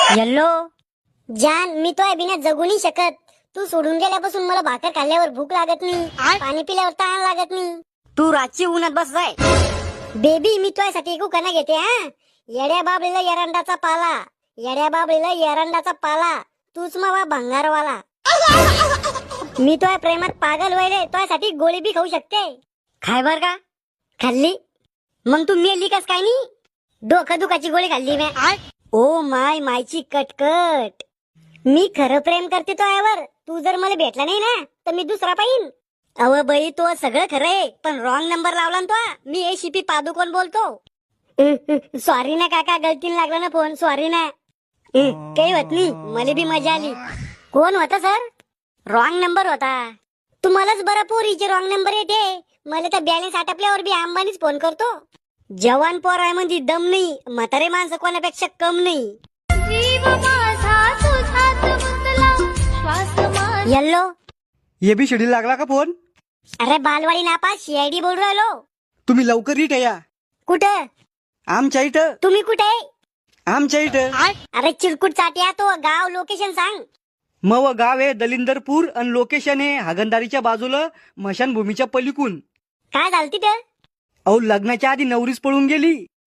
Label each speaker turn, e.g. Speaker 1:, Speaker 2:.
Speaker 1: Yellow जान, मी तो बिना जगू नाही शकत. तू सोडून गेल्यापासून मला भाकर खाल्ल्यावर भूक लागत नाही, पाणी पिल्यावर तहान लागत नाही. तू रातची उन्हात बस जाय. बेबी, मी तुझ्यासाठी एक उखाणा घेते हा. येड्या बाबळीला एरंडाचा पाला, येड्या बाबळीला एरंडाचा पाला, तूच मावा भंगारवाला. मी तुझ्या प्रेमात पागल व्हायले, तुझ्यासाठी गोळी बी खाऊ शकते. खाय बर का? खाल्ली मग तू मेली कस काय नाही? डोकं दुखाची गोळी खाल्ली मी. ओ माय मायची कटकट. मी खरं प्रेम करते तो यावर. तू जर मला भेटला नाही ना तर मी दुसरा पाहिन. अव बाई, तो सगळं खरं आहे, पण रॉंग नंबर लावला ना तो. मी ACP पादुकोण बोलतो. सॉरी ना काका, गलतीने लागला ना फोन, सॉरी ना. काही होत नाही, मला बी मजा आली. कोण होता सर? रॉंग नंबर होता. तुम्हालाच बरं पोरीचे रॉंग नंबर येते. मला तर बॅलन्स आटपल्यावर बी अंबानीच फोन करतो. जवान पोर आहे म्हणजे दम नाही, म्हातारे माणसं कोणापेक्षा कम नाही. येल्लो,
Speaker 2: ABCD लागला का फोन?
Speaker 1: अरे बालवाडी नापास CID बोल राहिलो.
Speaker 2: तुम्ही लवकर इथं या.
Speaker 1: कुठं?
Speaker 2: आमच्या इथं.
Speaker 1: तुम्ही कुठे?
Speaker 2: आमच्या इथं.
Speaker 1: अरे चिरकुट चाट्या, तो गाव लोकेशन सांग.
Speaker 2: मव गाव आहे दलिंदरपूर आणि लोकेशन आहे हागंदारीच्या बाजूला, मशानभूमीच्या पलीकून.
Speaker 1: काय झालं तिथं?
Speaker 2: अहो, लग्नाच्या आधी नवरीच पळून गेली.